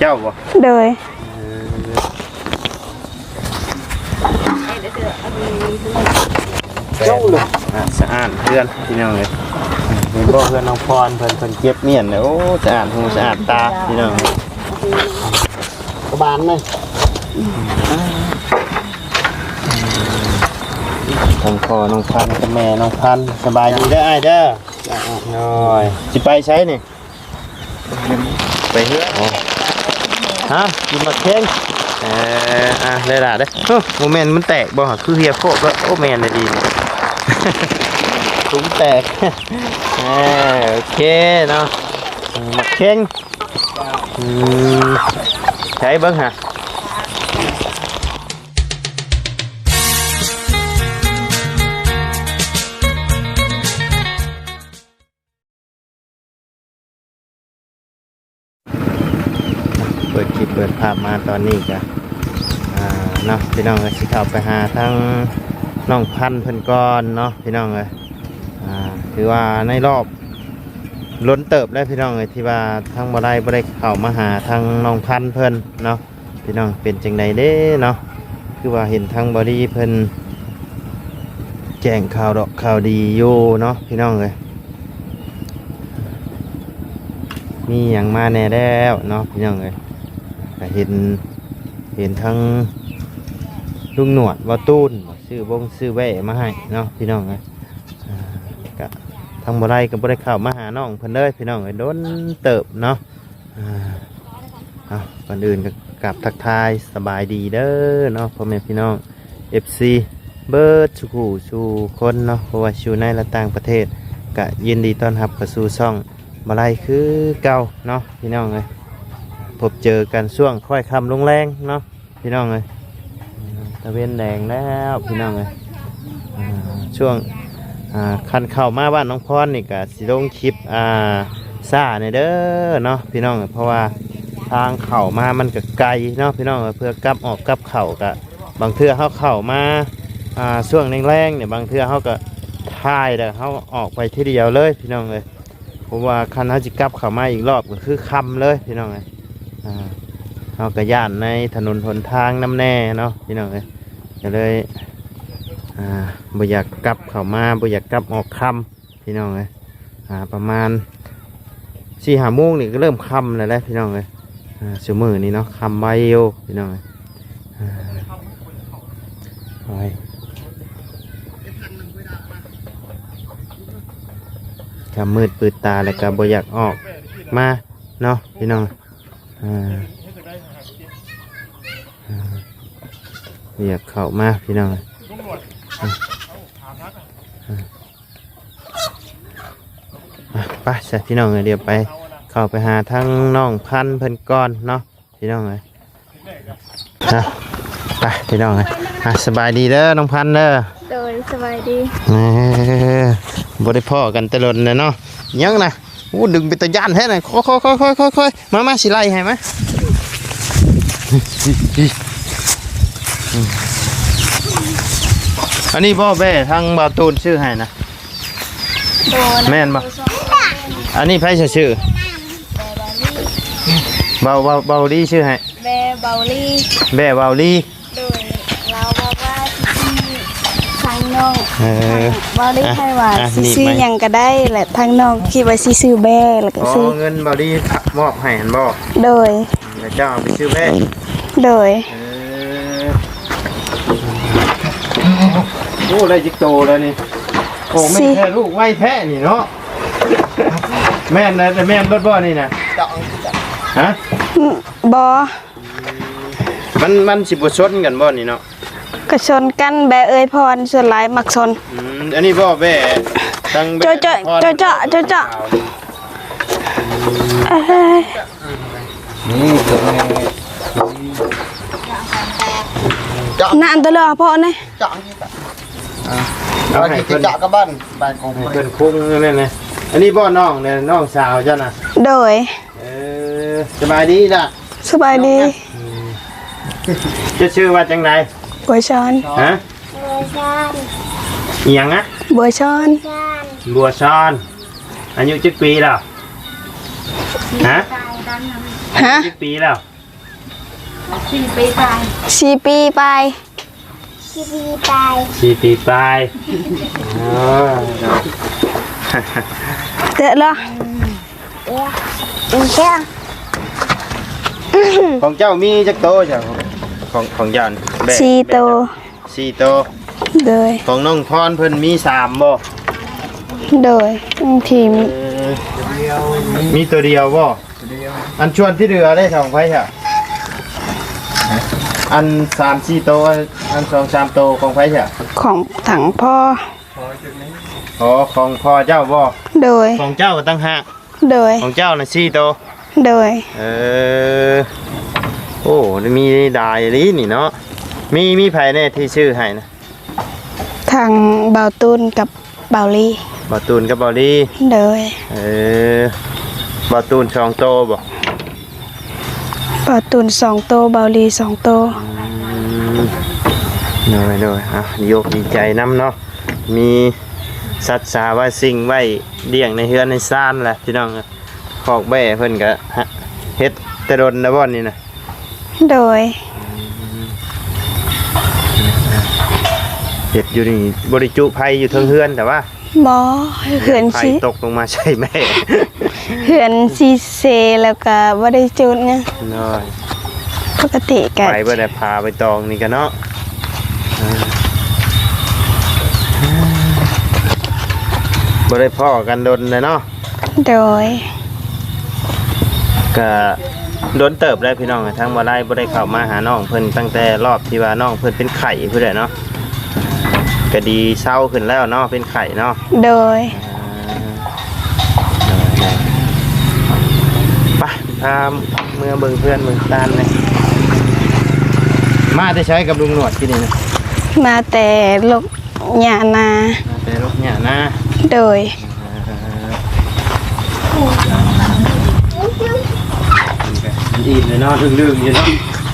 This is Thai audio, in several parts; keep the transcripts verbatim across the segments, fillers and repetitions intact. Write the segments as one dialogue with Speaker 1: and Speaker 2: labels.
Speaker 1: เจ้าบ่
Speaker 2: โดย
Speaker 1: เจ้าเลยสะอาดเพื่อนพี่น้องเลยเห็นบ่เพื่อนน้องพรเพิ่นเพิ่นเก็บเมียนเลยโอ้สะอาดหูสะอาดตาพี่น้องกระบาลไหมน้องพ่อน้องพันกับแม่น้องพันสบายดีเด้อไอ้เด้อน้อยสิไปใช้นี่ไปเฮือฮะกินมาเค้งเอออ่ะได้ละเด้อโมเมนต์มันแตกบ่คือเฮียโคกแล้วโอ้แมนเลยดีตุ้มแตกโอเคเนาะมาเค้งใช้เบิ้งฮะเปิดคลิปเปิดภาพมาตอนนี้จ้ะเนาะพี่น้องเลยสิเข้าไปหาทั้งน้องพันเพิ่นก่อนเนาะพี่น้องเลยถือว่าในรอบล้นเติบได้พี่น้องเลยที่ว่าทั้งบ่ได้บ่ได้เข้ามาหาทั้งน้องพันเพิ่นเนาะพี่น้องเป็นจังใดเด้เนาะคือว่าเห็นทั้งบอดี้เพิ่นแจ้งข่าวดอกข่าวดีอยู่เนาะพี่น้องเลยมีอย่างมาแน่แล้วเนาะพี่น้องเลยเห็นเห็นทั้งลุงหนวดว่าตูนซื้อบงซื้อแว่มาให้เนาะพี่น้องเลยก็ทั้งบ่ได้ก็บ่ได้เข้ามาหาน้องเพิ่นเลยพี่น้องเลยโดนเติบเนาะเอาก่อนอื่นก็กลับทักทายสบายดีเด้อเนาะพ่อแม่พี่น้อง เอฟ ซี เบิร์ดชูกูชูคนเนาะเพราะว่าชูในและต่างประเทศก็ยินดีต้อนรับเข้าสู่ช่องมาไล่คือเก่าเนาะพี่น้องเลยพบเจอกันช่วงค่อยคำลงแรงเนาะพี่น้องเลยตะเวนแดงแล้วพี่น้องเลยช่วงคันเข้ามาบ้านน้องพรนี่ก็สิลงคลิปซ่าในเด้อเนาะพี่น้องเพราะว่าทางเข่ามามันก็ไกลเนาะพี่น้องเพื่อกลับออกกลับเข่าก็บางเทื่อเขาเข่ามาช่วงแรงๆเนี่ยบางเทื่อเขาก็ท่ายแต่เขาออกไปทีเดียวเลยพี่น้องเลยเพราะว่าคันเขาจะกลับเข่ามาอีกรอบก็คือค่ำเลยพี่น้องเลยเขาก็ย่านในถนนหนทางน้ำแน่เนาะพี่น้องเลยก็เลยบ่อยากกลับเข่ามาบ่อยากกลับออกค่ำพี่น้องเลยประมาณสี่ห้าโมงนี่ก็เริ่มค่ำแล้วแหละพี่น้องเลยชั่วโมงนี้เนาะค่ำไว้โยพี่น้องเลยไปกำมืดปืดตาแล้วก็บ่อยากออกมาเนาะพี่น้องอยากเข้ามาพี่น้องไปใช่พี่น้องเลยเดี๋ยวไปเข้าไปหาทั้งน้องพันเพิ่นก้อนเนาะพี่น้องเลยไปพี่น้องเลยสบายดีเด้อน้องพันเด้อโดยสบายดีบริพ่อกันตลอดเลยเนาะยังนะอู้ดึงไปตะย่านแท้เลยค่อยค่อยค่อยค่อยค่อยค่อยมามาสิไล่ให้ไหมอันนี้พ่อแม่ทางบ่าวตูนชื่อให้นะแม่นบ่อันนี้ไพ่ชื่อเบาเบาเบาลี่ชื่อให้แม่เบาลี่แม่เบาลี่โดยเราบอกว่าที่ทางน้องเบาลี่ให้ว่าซื้อยังก็ได้แหละทางน้องคิดว่าซื้อแม่แล้วก็ซื้อเงินเบาลี่มอบให้หันบ่โดยแล้วเจ้าไปซื้อแม่โดยโอ้ได้จิกโตแล้วนี่โอ้ไม่แพ้ลูกไม่แพ้นี่เนาะแม่นนะแต่แม่นรถบ่อนี่นะฮะบอมันมันสิบชนกันบ่นี่เนาะก็ชนกันแบเอ้ยพรส่วนหลายมักชนอันนี้บ่แบตั้งแบเจาะเจาะเจาะเจาะเจาะนี่ตัวเจาะนั่นตัวเลยพ่อเนี่ยเจาะเราให้เจาะกับบ้านบ้านของเพื่อนคุ้งนี่เลยอันนี้บ่อน้องเนี่ยน้องสาวเจ้าน่ะโดยเออสบายดีล่ะสบายดีจะชื่อว่าจังไดบัวชอนฮะบัวชอนอีหยังอ่ะบัวชอนบัวชอนอายุกี่ปีแล้วฮะฮะกี่ปีแล้ว
Speaker 2: สี่ปีไป
Speaker 3: สี่ปีไป
Speaker 2: สี่ปีไป
Speaker 1: สี่ปีปลายอ๋อ
Speaker 3: เด้อเหรอ
Speaker 2: เอ๊ะอีกแค่
Speaker 1: ของเจ้ามีจักโตจ้ะของของยานแบะ
Speaker 3: สี่โต
Speaker 1: สี่โต
Speaker 3: โดย
Speaker 1: ของน้องพรเพิ่นมีสามบ่
Speaker 3: โดยทีม
Speaker 1: เออมีตัวเดียวบ่อันชวนที่เหลือได้สองไผค่ะอันสามสี่โตอันสองสามโตของไผค่ะ
Speaker 3: ของถังพ่อ
Speaker 1: อ๋อของพ่อเจ้าบ่
Speaker 3: โดย
Speaker 1: ของเจ้าก็ตั้งหาก
Speaker 3: โดย
Speaker 1: ของเจ้าน่ะสี่โต
Speaker 3: โดย
Speaker 1: เออโอ้มีดายลีนี่เนาะมีมีไผแน่ที่ชื่อให้นะ
Speaker 3: ทางเบาตุนกับเบาลี
Speaker 1: บ่ตูนกับบ่ลี่
Speaker 3: โดย
Speaker 1: เออบ่ตูนสองโตบ่
Speaker 3: เบาตุนสองโตเบาลีสองโต
Speaker 1: หน่อยหน่อยอ่ะโยกดีใจน้ำเนาะมีสัตว์สาว่าสิ่งไว้เลี้ยงในเฮือนในซ่านแหละพี่น้องขอกแบ่เพิ่นก็เฮ็ดแตะดนนะบ่นี่นะ
Speaker 3: โดย
Speaker 1: เฮ็ดอยู่นี่บริจุภัยอยู่เทิงเฮือนแต่ว่า
Speaker 3: บอเขื่อน
Speaker 1: ภัย
Speaker 3: ซี
Speaker 1: ตกลงมาใช่แม่
Speaker 3: เขื่อนซีเซแล้วก็บ่ได้จุดเนี่ย
Speaker 1: น้อย
Speaker 3: ปกติกัน
Speaker 1: ไปบ่ได้พาไปตองนี่กันเนาะอ่าบ่ได้พ่อกันดนเลยเนาะ
Speaker 3: โดย
Speaker 1: ก็โดนเติบได้พี่น้องทั้งบ่ได้บ่ได้เข้ามาหาน้องเพิ่นตั้งแต่รอบที่ว่าน้องเพิ่นเป็นไข้เพิ่นแหละเนาะก็ดีเศร้าขึ้นแล้วเนาะเป็นไข้เนาะ
Speaker 3: โดย
Speaker 1: ไปพาเมื่อเบิ่งเพื่อนเบิ่งตานเลยมาได้ใช้กับลุงหนวดที่นี่นะ
Speaker 3: มาแต่ลูกหยานา
Speaker 1: มาแต่ลูกเนี่ยนะ
Speaker 3: โดย
Speaker 1: อิ่มเลยเนาะดึงๆอยู่เนาะ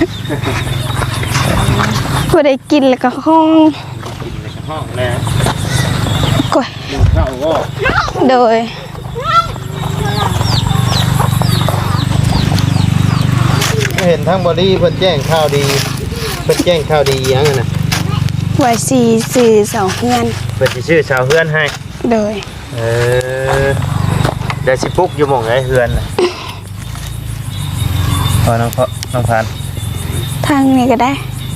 Speaker 3: บ่ได้กินแล้วก็ห้อง
Speaker 1: กินในห้องแล้ว
Speaker 3: ก้อย
Speaker 1: ดึงเข้าก็
Speaker 3: โดย
Speaker 1: เห็นทั้งบอดี้เพิ่นแจ้งข่าวดีเพิ่นแจ้งข่าวดีหยังอะนะ
Speaker 3: ไว้สี่สื่อสองเพื่อน
Speaker 1: เพิ่นสิชื่อชาวเฮือนให้
Speaker 3: โดย
Speaker 1: เออได้สิปลุกอยู่หม่องไอ้เฮือนน่ะพอน้องพอน้องพัน
Speaker 3: ทางนี้ก็ได้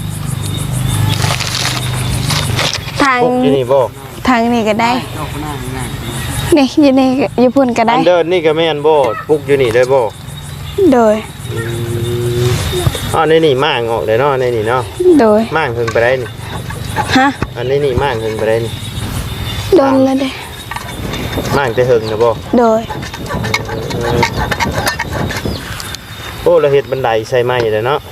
Speaker 3: ทาง
Speaker 1: ปลุกอยู่นี่บ่
Speaker 3: ทางนี้ก็ได้นี่อยี่นี่ก็อยี่พุ่นก็
Speaker 1: อั
Speaker 3: ได้
Speaker 1: นเดินนี่ก็แม่นบ่ปลุกอยู่นี่ได้บ่
Speaker 3: โดย
Speaker 1: อืมอ๋อในนี่ม่างออกเลยเนาะในนี่เนาะ
Speaker 3: โดย
Speaker 1: ม่างเพิ่งไปได้นี่
Speaker 3: ฮะ
Speaker 1: อันนี้นี่ม่างเพิ่งไปได้นี่
Speaker 3: โดนแล้วเด้
Speaker 1: ม่างจะเฮิงนะบ่
Speaker 3: โดย
Speaker 1: เออโอ้เราเฮ็ดบันไดใส่ไม้เลยเนาะ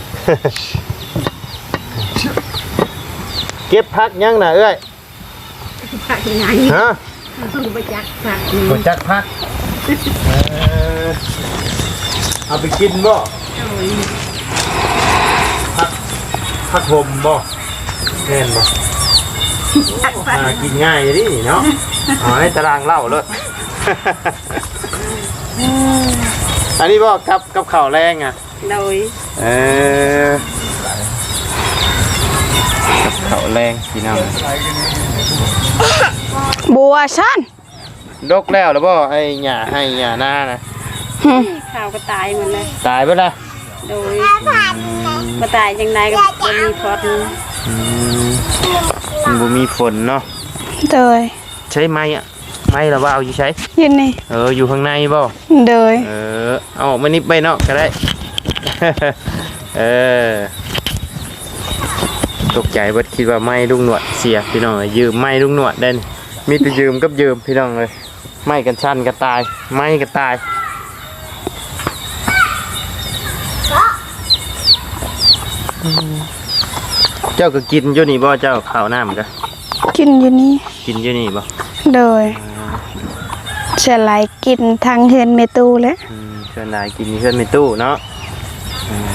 Speaker 1: เก็บพักยังน่ะเอ้ย
Speaker 2: ผักยังไง
Speaker 1: ฮะ
Speaker 2: ไปจักผัก
Speaker 1: บ่จักพักเออเอาไปกินบ่พักพักห่มบ่แม่นบ่อ่ากินง่ายดิเนาะอ๋อในตารางเล่าเลย อันนี้บ่กับกับข้าวแรงอ่ะ
Speaker 2: โดย
Speaker 1: เออกับข้าวแรงพี่น้อง
Speaker 3: บัวชัน
Speaker 1: ดกแล้วหรือบ่ไอ้หญ้าให้หญ้าหน้านะ
Speaker 3: หึ
Speaker 2: ข้าวก็ตายหมดเลย
Speaker 1: ตายไปละ
Speaker 2: โดยมาตายยังไงก็บ่มีพอด
Speaker 1: อืมมันบ่มีฝนเนาะ
Speaker 3: โดย
Speaker 1: ใช้ไม้อะไม้หรือว่าเอาอยู่ใช้
Speaker 3: อยี่นี่
Speaker 1: เอออยู่ข้างในบ่
Speaker 3: โดย
Speaker 1: เออเอาออกมานิดไปเนาะก็ได้ เออตกใจเบิดคิดว่าไม้ลุงหนวดเสียพี่น้องเอ้ยยืมไม้ลุงหนวดได้นี่มีแต่ยืมกับยืมพี่น้องเลยไม้กันชั้นก็ตายไม้ก็ตายเจ้าก็กินอยู่นี่บ่เจ้าข้าวน้ำก็
Speaker 3: กินอยู่นี่
Speaker 1: กินอยู่นี่บ่
Speaker 3: โดยเฉลายกินทางเฮือนเมตูแล้ว
Speaker 1: อืมเพื่อนนายกินเพื่อนในตู้เนาะอืม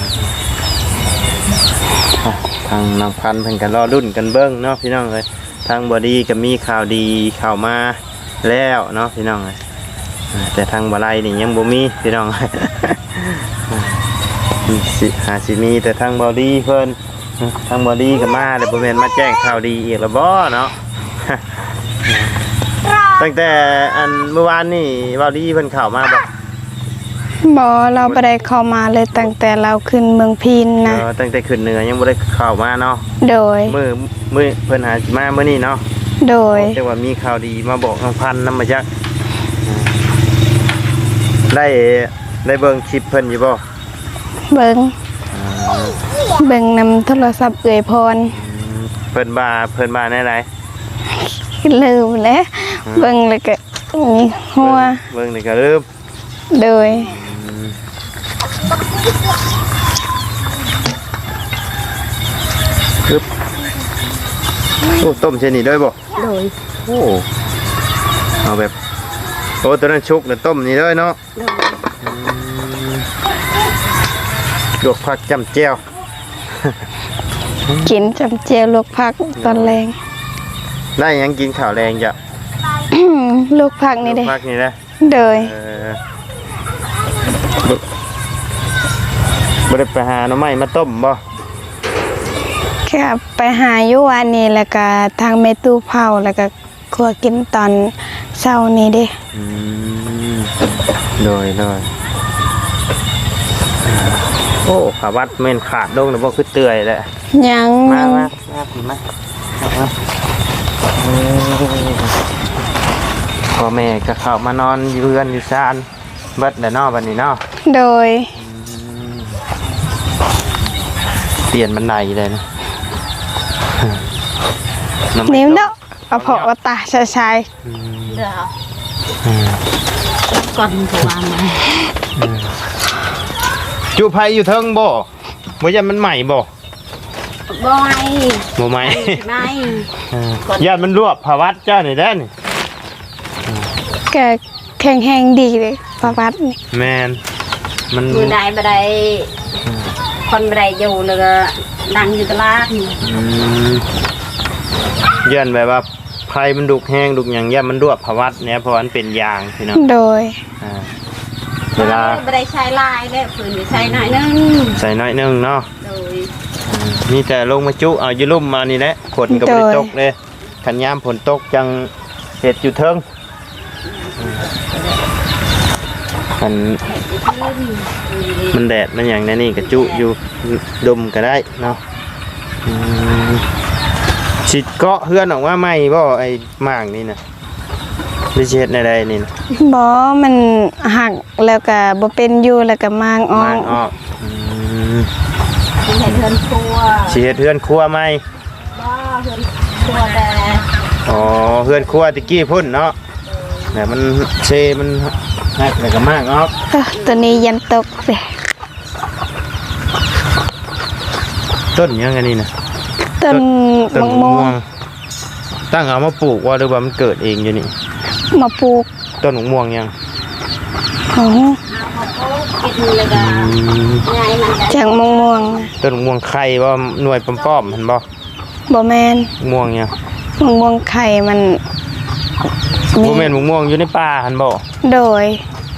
Speaker 1: อ่ะทางนางพันธุ์เพิ่นกันรอรุ่นกันเบิ้งเนาะพี่น้องเลยทางบอดี้ก็มีข่าวดีข่าวมาแล้วเนาะพี่น้องเลยอ่าแต่ทางบาไลนี่ยังบ่มีพี่น้อง อ่าสิหาสิมีแต่ทางบอดี้เพิ่นทางบอดี้ก็มาแต่บ่แม่นมาแจ้งข่าวดีอีกแล้วบ่เนาะ ตั้งแต่อันเมื่อวานนี่บอดี้เพิ่นเข้ามาบ่
Speaker 3: บ่เราบ่ได้เข้ามาเลยตั้งแต่เราขึ้นเมืองพีน
Speaker 1: เอ
Speaker 3: นะ
Speaker 1: อตั้งแต่ขึ้นเหนือยังบ่ได้เข้ามาเนาะ
Speaker 3: โดย
Speaker 1: มื้อมื้อเพิ่นหาสิมามื้อนี้เนาะ
Speaker 3: โดย
Speaker 1: แต่ว่ามีข่าวดีมาบอกทางพันนำมาจักได้ได้เบิ่งคลิปเพิ่นอยู่บ่
Speaker 3: เบิ่งเบิ่งนำโทรศัพท์เอ่ยพร
Speaker 1: เพิ่นบ่าเพิ่นบ่าแน่ไร
Speaker 3: ลืมแล้วเบิ่งแล้วก็มีหัว
Speaker 1: เบิ่งนี่ก็ลืม
Speaker 3: โดย
Speaker 1: ปึ๊บโอ้ต้มเช่นนี้ด้วยบ่
Speaker 2: โดย
Speaker 1: โอ้เอาแบบโอ้ตัวนั้นชุกเนี่ยต้มนี่ด้วยเนาะ
Speaker 2: โดย
Speaker 1: ลวกผักจำเจียว
Speaker 3: กินจำเจียวลวกผักตอนแรง
Speaker 1: ได้หยังกินข้าวแรงจ้ะ
Speaker 3: ลวกผักนี่
Speaker 1: ลว
Speaker 3: เด้
Speaker 1: กผักนี่นะ
Speaker 3: โดย
Speaker 1: เออบ่บ่ได้ไปหาหน่อไม้มาต้มบ่
Speaker 3: แค่ไปหาอยู่วันนี้แล้วก็ทางเมตู้เผาแล้วก็ครัวกินตอนเช้านี้เด้
Speaker 1: อืมโดยโดยโอ้ขาวัดเม่นขาดลงแล้วบ่คือเตื่อยแหละ
Speaker 3: ยัง
Speaker 1: มา
Speaker 3: ยัง
Speaker 1: มามาพี่มามาเออพ่อแม่ก็เข้ามานอนอยู่เรือนอยู่ซานเบิดแล้วเนาะบัดนี้เนาะ
Speaker 3: โดย
Speaker 1: เปลี่ยนบันไดเลยนะ
Speaker 3: นิ้วเนาะเอาพอว่าตาชายชาย
Speaker 2: เดี๋ยวก่อนตัวมา
Speaker 1: จูไผอยู่เทิงบ่บ่ยันมันใหม่บ่
Speaker 2: บอย
Speaker 1: บ่ใหม่
Speaker 2: ไม่
Speaker 1: ยันมันรวบภาวัดเจ้านี่แด้นี่
Speaker 3: แกแข็งแห้งดีเลยประวัตินี่
Speaker 1: แม่นมัน
Speaker 2: มือใดบัไดคนบัไดอยู่เลยดังอยู่ตลาด
Speaker 1: อืมยันแบบว่าไผมันดุกแห้งดุกหยังยันมันรวบภาวัดเนี่ยเพราะว่ามันเป็นยางพี่น้อง
Speaker 3: โดย
Speaker 1: อ่าเวลา
Speaker 2: บัไดใช้ลายเนี่ยฝืนใช้หน่อยนึง
Speaker 1: ใส่น้อยหนึงเนาะ
Speaker 2: โดย
Speaker 1: มีแต่ลงมาจุเอาอยู่ลุ่มมานี่แหละฝนก็บ่ได้ตกเลยคันยามฝนตกจังเฮ็ดอยู่เทิงมันมันแดดมันอย่างนั้นนี่ก็จุอยู่ดมก็ได้เนาะอืมสิเกาะเฮือนออกมาใหม่บ่ไอ้หมางนี่นะหรือสิเฮ็ดในใดนี่นะ
Speaker 3: บ่มันหักแล้วก็บ่เป็นอยู่แล้วก็มางออ
Speaker 1: มาก งออกอืม
Speaker 2: เห็นเฮือนครัว
Speaker 1: สิเฮ็ดเฮือนครัวใหม่
Speaker 2: บ้าเฮือนครัวแต่
Speaker 1: อ๋อเฮือนครัวตะกี้พุ่นเนาะแต่มันเซมันหักแล้วก็มากออก
Speaker 3: เอ้อตัวนี้ยันตกเลย
Speaker 1: ต้นยังไงนี่นะ
Speaker 3: ต้น
Speaker 1: ต้น
Speaker 3: มะ
Speaker 1: มะ
Speaker 3: ม่
Speaker 1: ม่
Speaker 3: ว
Speaker 1: ว
Speaker 3: ง
Speaker 1: งตั้งเอามาปลูกว่าหรือว่ามันเกิดเองอยู่นี่
Speaker 3: มาปลูก
Speaker 1: ต้นมะม่วงยัง
Speaker 3: อ๋อ
Speaker 2: เอาเขากินเลยก็ยายมันจะ
Speaker 3: จากมะม่วง
Speaker 1: ต้นมะม่วงไข่ว่าหน่วยป้อมๆเห็นบ่
Speaker 3: บ่แม่น
Speaker 1: มะม่วงยัง
Speaker 3: มะม่วงไข่มัน
Speaker 1: บ่แม่นมะม่วงอยู่ในป่าหันบ่
Speaker 3: โดย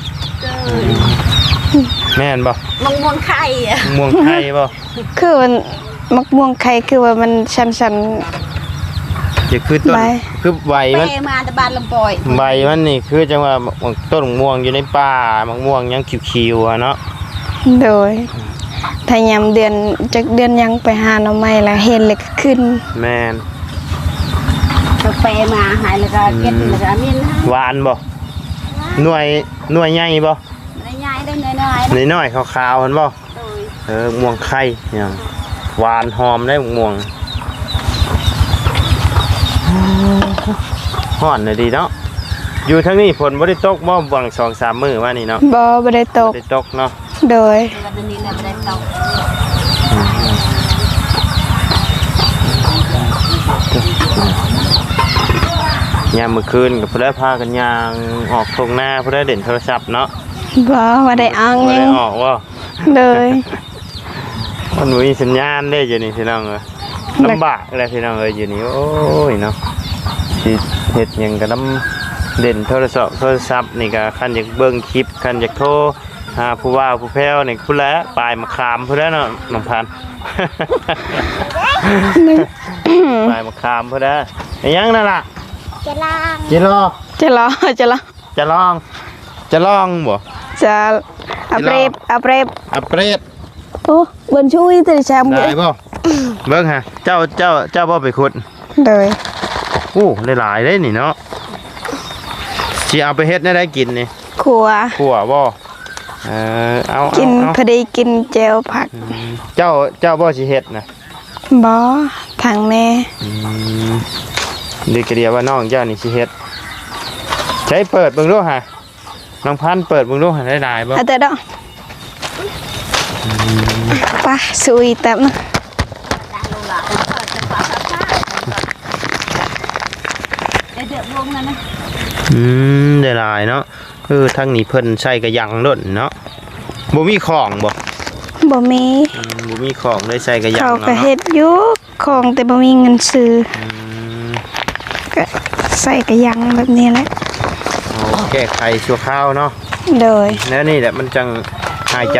Speaker 1: แม่นบ่
Speaker 2: มงมวงไข่อะ
Speaker 1: มะม่วงไข่บ่
Speaker 3: คือมันมะม่วงไข่คือว่ามันชัน
Speaker 1: จะคือต้น
Speaker 3: ใบ
Speaker 1: คือใบ
Speaker 2: เป
Speaker 1: มัน
Speaker 2: มาแต่บ้านลำปอย
Speaker 1: ใบมันนี่คือจังว่าต้นมะม่วงอยู่ในป่ามะม่วงยังเขียวๆอะเนาะ
Speaker 3: ๆโดยถ้ายามเดือนจักเดือนยังไปหาหน่อไม้แล้วเห็นเลยก็ขึ้น
Speaker 1: แม่น
Speaker 2: ก็เปมาหายแล้วก็เก็บแล้วก็มินให้
Speaker 1: หวานบ่หน่วยหน่วยใหญ่บ่
Speaker 2: ได้ยายได้น้อยๆ
Speaker 1: น้อยๆขาวๆเห็นบ่
Speaker 2: โดย
Speaker 1: เออม่วงไข่เนี่ยหวานหอมได้ม่วงฮ้อนเลยดีเนาะอยู่ทั้งนี้ฝนบ่ได้ตกบ่บางสองสามมื้อว่านี่เนาะ
Speaker 3: บ่บ่ได้ต
Speaker 1: บ่
Speaker 3: ก
Speaker 1: ได้ตกเนาะ
Speaker 3: โดย
Speaker 2: วันนี้เราไม่ได้ตก
Speaker 1: ยามมื้อคืนก็เพิ่นได้พากันย่างออกทุ่งนาเพิ่นได้เล่นโทรศัพท์เนาะ
Speaker 3: บ่ว่าได้อ้าง
Speaker 1: บ่
Speaker 3: ยั
Speaker 1: ได้
Speaker 3: ง
Speaker 1: ออกว่า
Speaker 3: โดย
Speaker 1: มันบ่มีสัญญาณเด้อยู่นี่พี่น้องเอ้ยลำบากเลยพี่น้องเอ้ยอยู่นี่โอ้ยเนาะสิเฮ็ดหยังก็นำเล่นโทรศัพท์โทรศัพท์นี่ก็คันอยากเบิ่งคลิปคันอยากโทรหาผู้ว่าผู้แพ้วนี่พุ่นแล้วปลายมะขามพุ่นแล้วเนาะน้องพันธุ์ ปลายมะขามพุ่นแล้วไอ้ยังนั่นล่ะ
Speaker 2: จะล่าง
Speaker 1: จิรอ
Speaker 3: จะรอจะรอ
Speaker 1: จะลองจะลองบ่
Speaker 3: จะอัปเรบอัปเรบ
Speaker 1: อัปเกรด
Speaker 3: โอ้บนช่วยแต่แชมป์
Speaker 1: ได้บ่เบิ่งฮะเจ้าเจ้าเจ้าบ่ไปขุด
Speaker 3: เลย
Speaker 1: โอ้หลายๆเลยนี่เนาะสิเอาไปเฮ็ดได้ได้กินนี่
Speaker 3: ขัว
Speaker 1: ขัวบ่เออเอา
Speaker 3: กิน
Speaker 1: เอา
Speaker 3: พอดีกินเจลผัก
Speaker 1: เจ้าเจ้าบ่สิเฮ็ดนะ
Speaker 3: บอทางแม่
Speaker 1: อืมเด็กเดียวว่าน้องเจ้านี่สิเฮ็ดใช้เปิดเบิ่งดูฮะน้องพันธุ์เปิดเบิ่งดูหาได้หลายบ่
Speaker 3: เอาแต่ดอกไปสุยแต้มนะ
Speaker 2: เดือดลงนะนะ
Speaker 1: อืมได้หลายเนาะเออทางนี้เพิ่นใช้กระยังโดนเนาะบ่มีของบ่
Speaker 3: บ่มี
Speaker 1: อืมบ่มีของได้ใช้กระยัง
Speaker 3: เขา
Speaker 1: เอา
Speaker 3: ก็
Speaker 1: เนาะ
Speaker 3: เฮ็ดอยู่ของแต่บ่มีเงินซื้อ
Speaker 1: อืม
Speaker 3: ก็ใส่กระยังแบบนี้แหละ
Speaker 1: เอาแก้ไขชั่วคราวเนาะ
Speaker 3: โดย
Speaker 1: แล้วนี่แหละมันจังหายใจ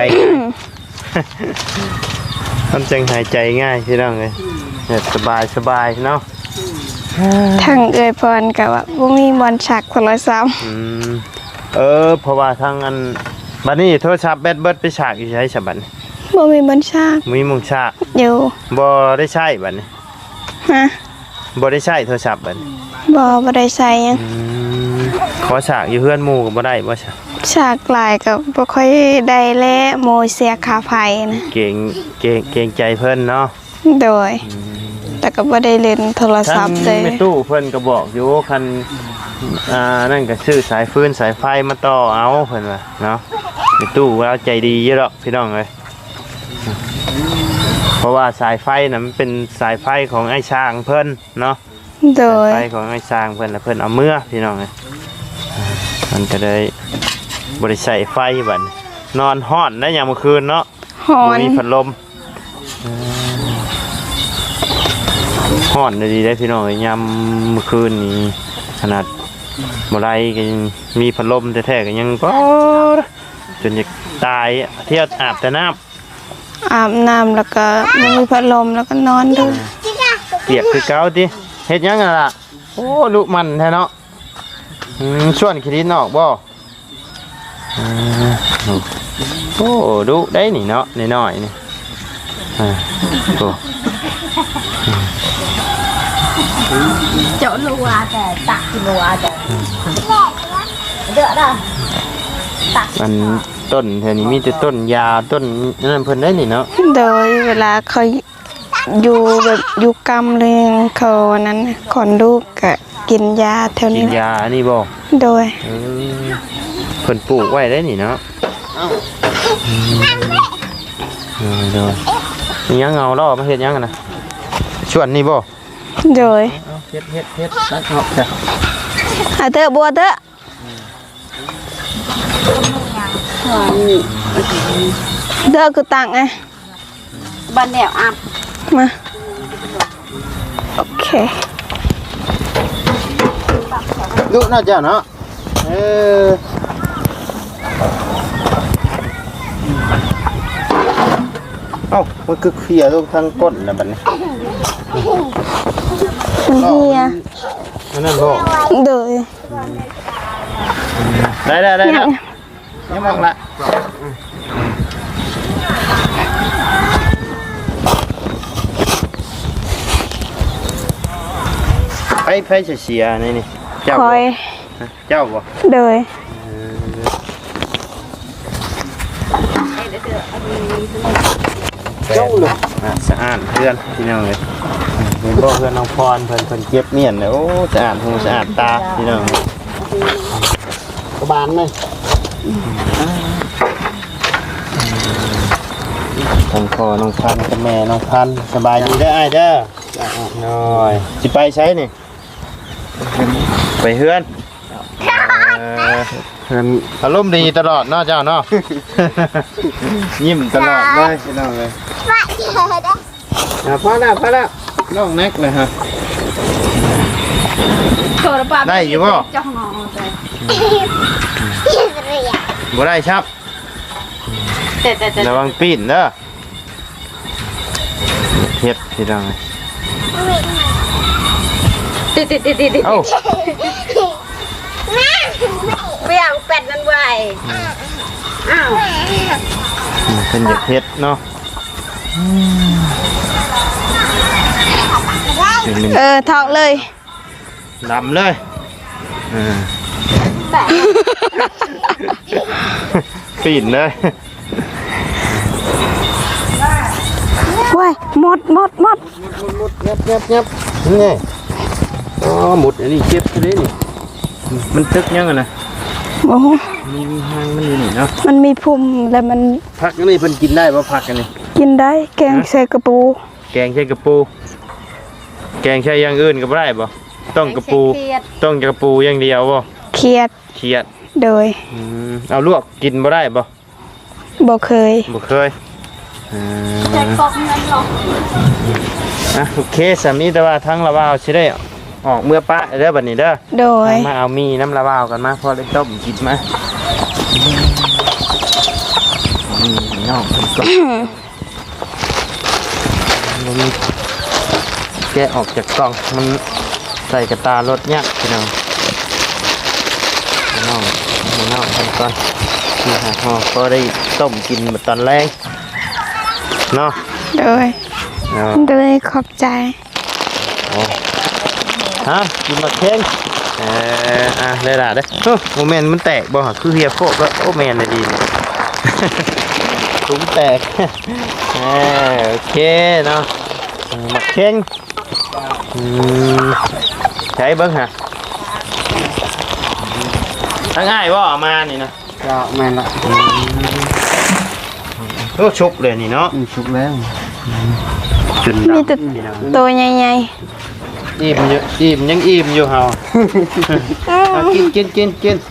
Speaker 1: มันจังหายใจง่ายพี่น้องเลยเนี่ยสบายสบายเนาะ
Speaker 3: ทางเอ่ยพรก็ว่าบ่มีบอลฉักโทรศัพท์
Speaker 1: อืมเออเพราะว่าทางอันบัดนี้โทรศัพท์แบตเบิดไปฉากอยู่ใช้ฉบัดนี้
Speaker 3: บ่มีบอลฉัก
Speaker 1: มีมุงฉาก
Speaker 3: อยู่
Speaker 1: บ่ได้ใช้บัดนี้
Speaker 3: ฮะ
Speaker 1: บ่ได้ใช้โทรศัพท์บัดนี้
Speaker 3: บ่บ่ได้ใส่หยัง
Speaker 1: อืมขอฉากอยู่เพื่อนหมู่ก็บ่ได้บ่ใช่
Speaker 3: ฉากหลายก็บ่ค่อยได้แลโมยเสียค่าไฟนะ
Speaker 1: เก่งเก่งเก่งใจเพิ่นเนาะ
Speaker 3: โดย แต่ก็บ่ได้เล่นโทรศั
Speaker 1: ทั้
Speaker 3: พ
Speaker 1: ง
Speaker 3: ท์เลย
Speaker 1: แม่ตู้เพิ่นก็บอกอยู่คันอ่านั่นก็ซื้อสายฟืนสายไฟมาต่อเอาเพิ่นว่าเนาะแม่ตู้ว่าใจดีเยอะดอกพี่น้องเอ้ยเพราะว่าสายไฟน่ะมันเป็นสายไฟของไอ้ช้างเพิ่นเนาะ
Speaker 3: โด
Speaker 1: สาย ยไฟของไอ้ช้างเพิ่นแล้วเพิ่นเอาเมื่อพี่น้องเอ้ยอ่ามันก็ได้บ่ได้ใช้ไฟบัดนี้นอนฮ้อนได้ยามมื้อคืนเนาะ
Speaker 3: ฮ้อ
Speaker 1: บ่
Speaker 3: น
Speaker 1: มีพัดลมฮ้อนดีได้พี่น้องยามมื้อคืนนี้ขนาดบ่ไรก็ยังมีพัดลมแท้ๆก็ยังก็จนจะตายเที่ยวอาบแต่น้ำ
Speaker 3: อาบน้ำแล้วก็บ่มีพัดลมแล้วก็นอนด้วย
Speaker 1: เปียกคือเก่าติเฮ็ดหยังกันล่ะโอ้ลุมันแท้เนาะอืมชวนขี้ดินออกบ่อืมโอ้ดุได้นี่เนาะน้อยๆนี่อ่าโอ้
Speaker 2: chỗ lùa để tặng lùa để đỡ đâu
Speaker 1: มันต้นแถวนี้มีแต่ต้นยาต้นนั่นเพิ่นได้นี่เนาะ
Speaker 3: โดยเวลาเขาอยู่แบบอยู่กรรมเลยเขานั้นขอนลูกก็กินยาแถว
Speaker 1: กิ
Speaker 3: นี้
Speaker 1: น
Speaker 3: แหละ
Speaker 1: ยาอันนี้บ่
Speaker 3: โดย
Speaker 1: เออเพิ่นปลูกไว้ได้นี่เนาะอืมเออเด้อมีหยังเอาล่อมาเฮ็ดหยังกันนะชวนนี่บ่
Speaker 3: โดย
Speaker 1: เอาเฮ็ดเฮ็ดเฮ็ดตัดออกจ้ะ
Speaker 3: อาเถอะบัวเถอะ เด้อคือตังไง
Speaker 2: bên đèo áp
Speaker 3: มา โอเค
Speaker 1: ดุเนาะเจ้าเนาะเออเอ้ามันคือเคลียร์ลูกทางก้นแล้วบัดนี้
Speaker 3: มันเฮีย
Speaker 1: นั่นนั่นบ่
Speaker 3: โดย
Speaker 1: ได้ได้ได้
Speaker 3: เนี่
Speaker 1: แล้
Speaker 3: ยว
Speaker 1: ยังมองละไปไปเสียๆนี่นี่เจ้า
Speaker 3: ค
Speaker 1: บ่
Speaker 3: อย
Speaker 1: เจ้าบ่
Speaker 3: โดย
Speaker 1: เจ้าเลยอ่ะสะอาดเพื่อนพี่น้องเลยเห็นบ่เพื่อนน้องพรเพิ่นเพิ่นเก็บเมียนเลยโอ้สะอาดหูสะอาดตาพี่น้องกบาลเลยทางพ่อน้องพันธุ์กับแม่น้องพันธุ์สบายดีเด้ออ้ายเด้อน้อยสิไปใช้นี่ไปเฮือนเออเฮือนอารมณ์ดีตลอดเนาะเจ้าเนาะ ยิ้มตลอดเลยพี่น้องเลยอ่ะพอแล้วพอแล้วน้องแน็กเลยฮะ
Speaker 2: rồi bà
Speaker 1: Đây,
Speaker 2: biết
Speaker 1: hiểu không?
Speaker 2: trong nó rồi
Speaker 1: บ่ได้ครับ
Speaker 2: แต่แต่แต่
Speaker 1: ระวังปีนเด้อเฮ็ดพี่น้อง
Speaker 2: ติดติดติดติด
Speaker 1: เอ้า
Speaker 2: เปรี้ยงเป็ดนั่นไว้อ้าว
Speaker 1: เป็นอยากเฮ็ดเนาะเป็นหนึ่ง
Speaker 3: เออถอกเลย
Speaker 1: ดำเลยอ่า
Speaker 2: แต่
Speaker 1: ปีนเลย
Speaker 3: ว้ายหมดหมดหมด
Speaker 1: มุดยับยับยับนี่อ๋อหมุดอันนี้เจ็บเลยนี่มันตึกยังไงนะ
Speaker 3: โอ้โห
Speaker 1: มีมีหางมันอยู่นี่เนาะ
Speaker 3: มันมีพุ่มแล้วมัน
Speaker 1: ผักอันนี้เพิ่นกินได้ป่ะผักอันนี้
Speaker 3: กินได้แกงใส่กระปู
Speaker 1: แกงใช้กระปู แกงใช้อย่างอื่นก็บ่ได้ป่ะต้องกระปู ต้องกระปูอย่างเดียวป่ะ
Speaker 3: เขียด
Speaker 1: เขียด
Speaker 3: โดย
Speaker 1: อืมเอาลวกกินบ่ได้ป่ะ
Speaker 3: บ่เคย
Speaker 1: บ่เคยอ่า
Speaker 2: แต่กบเงินหรอก
Speaker 1: อ่ะโอเคสามีแต่ว่าทั้งละว่าวสิได้ออกเมื่อปะเด้อบัดนี้เด้อ
Speaker 3: โดย
Speaker 1: มาเอามีน้ำละว่าวกันมาพอได้ต้มกินมาอืมน้องคนก่อนบ่มีแกะออกจากกล่องมันใส่กระตารถเนี่ยพี่น้องน้องน้องคนก่อนนี่ฮะพอพอได้ต้มกินตอนแรกเนาะ
Speaker 3: โดย
Speaker 1: เนาะ
Speaker 3: โดยขอบใจ
Speaker 1: โอ้ฮะกินมาเค้งเอออ่ะได้ละเด้อโอ้โมเมนต์มันแตกบ่ฮะคือเฮียโคกแล้วโอ้แมนเลยดี ถุงแตก เออโอเคเนาะมาเค้งอืมใช้เบิ้งฮะทั้งง่ายว่าออกมานี่นะ
Speaker 4: ก็แม่นละ
Speaker 1: โอ้ชุบเลยนี่เนาะ
Speaker 4: อืมสุกแล้ว
Speaker 1: จุด
Speaker 3: มี
Speaker 1: ดำ
Speaker 3: แต่
Speaker 1: พี่น้อง
Speaker 3: ตัวใหญ่
Speaker 1: อิ่มอยู่อิ่มยังอิ่มอยู่เฮา เอากินกินกินกิน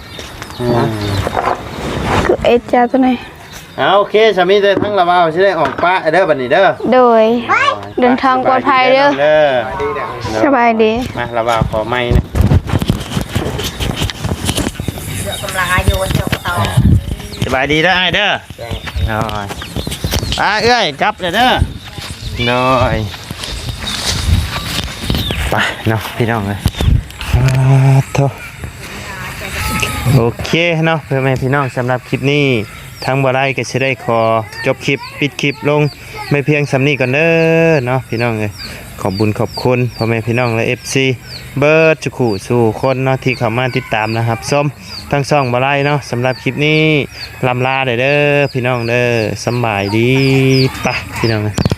Speaker 3: ๆคือไอ้เจ้าตัวไหน
Speaker 1: เอาโอเคสามีเด้อทั้งละว่าวสิได้ออกปะเด้อบัดนี้เด้อ
Speaker 3: โดย เดินทางปลอดภัยเด้อ
Speaker 1: เด้อ
Speaker 3: สบายดี
Speaker 1: มาละว่าวขอไม้นะ
Speaker 2: เดี๋ยวกำลังอายุเจ้ากระตอ
Speaker 1: สบายดีเด้อไอ้เด้อน้อยอ่าเอ้ยกลับเด้อเด้อน้อยไปเนาะพี่น้องเลยอ่าโถ่โอเคเนาะเพื่อนแม่พี่น้องสำหรับคลิปนี้ทั้งบ่ได้ก็สิได้ขอจบคลิปปิดคลิปลงไม่เพียงสำนี้ก่อนเด้อเนาะพี่น้องเลยขอบบุญขอบคุณพ่อแม่พี่น้องและ เอฟ ซี เบิร์ดจุขู่สู่คนเนาะที่เข้ามาติดตามนะครับส้มทั้งสองบ่ได้เนาะสำหรับคลิปนี้ลำลาเด้อเด้อพี่น้องเด้อสำบายดีปะพี่น้องเลย